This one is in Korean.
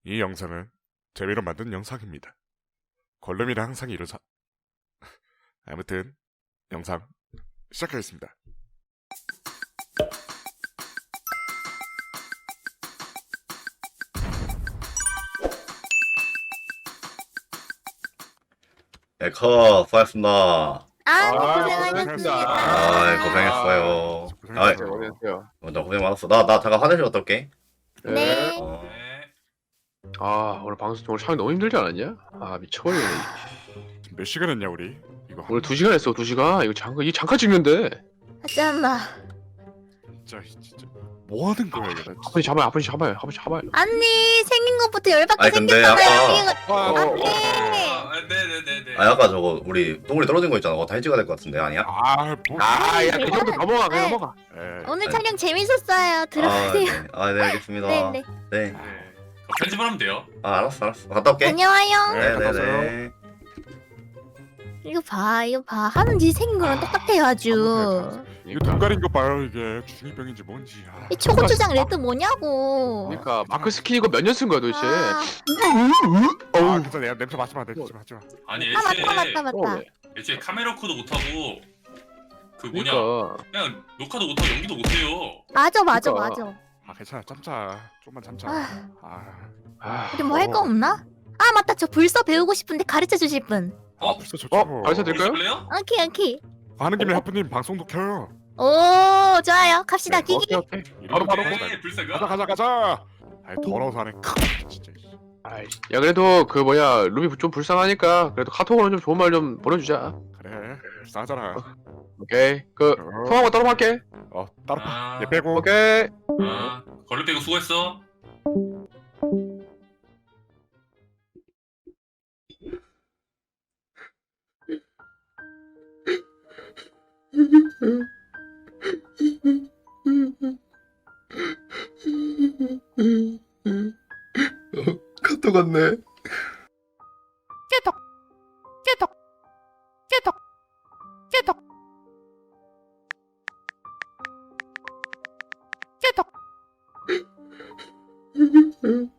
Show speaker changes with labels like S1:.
S1: 이 영상은 재미로 만든 영상입니다. 걸름이랑 항상 이루사. 아무튼 영상 시작하겠습니다.
S2: 수고하셨습니다.
S3: 고생하셨습니다.
S2: 고생했어요.
S1: 고생하셨어요.
S3: 고생했어요.
S2: 나 고생 많았어. 나 잠깐 화장실 갔다 올게.
S3: 네.
S2: 어.
S3: 오늘 방송 오늘 촬영 너무 힘들지 않았냐? 미쳐버리네.
S1: 지금 몇 시간 했냐 우리? 이거
S3: 오늘 2시간 했어. 2시간. 이거 잠깐 찍는데.
S4: 잠깐만.
S1: 진짜 뭐 하는 거야 이거? 나
S3: 아버지 잡아요. 아버지 잡아요. 아버지 잡아요.
S4: 아니 생긴 것부터 열받게
S2: 아니, 근데
S4: 생겼잖아요.
S5: 네네네네.
S2: 아까 저거 우리 동물이 떨어진 거 있잖아. 그거 다 해지가 될 것 같은데 아니야?
S1: 뭐?
S3: 그 정도 넘어가. 그냥
S4: 네.
S3: 넘어가.
S4: 오늘
S2: 아니.
S4: 촬영 재밌었어요. 들어가세요.
S2: 네, 알겠습니다.
S4: 네네.
S2: 네.
S5: 편집을 하면 돼요.
S2: 알았어. 갔다 올게.
S4: 안녕하요.
S1: 네, 갔다 오세요.
S2: 네네네.
S4: 이거 봐. 하는 짓 생긴 거랑 똑같아요 아주.
S1: 이거 눈 가린 거 봐요 이게 주중이병인지 뭔지.
S4: 이 초고추장 레드 뭐냐고.
S3: 그러니까 마크 스킨 이거 몇 년 쓴 거야 도대체?
S1: 그래서 내가 냄새 맡지 마. 냄새 맡지 마.
S5: 아니
S4: 맞다.
S5: 애초에 카메라 코도 못하고 그 뭐냐
S3: 그러니까
S5: 그냥 녹화도 못하고 연기도 못해요.
S4: 맞아.
S3: 그러니까.
S1: 괜찮아. 참자. 좀만 참자.
S4: 우리 뭐 할 거 없나? 맞다. 저 불서 배우고 싶은데 가르쳐 주실 분.
S1: 벌써 좋죠.
S3: 벌써 될까요?
S5: 볼래요?
S4: 오케이.
S1: 하는 김에 하프님 방송도 켜요.
S4: 오 좋아요. 갑시다.
S3: 오케이.
S4: 끼기.
S3: 바로.
S5: 네, 불사가.
S1: 가자. 아이 더러워서 하네. 진짜.
S3: 야 그래도 그 뭐야 루비 좀 불쌍하니까 그래도 카톡으로 좀 좋은 말 좀 보내주자.
S1: 그래. 싸잖아.
S3: 오케이. 그 통화만 따로 할게.
S1: 따로 봐.
S5: 아,
S1: 얘 빼고.
S3: 오케이.
S5: 걸로 빼고 수고했어.
S2: 카톡 왔네.
S4: 깨톡.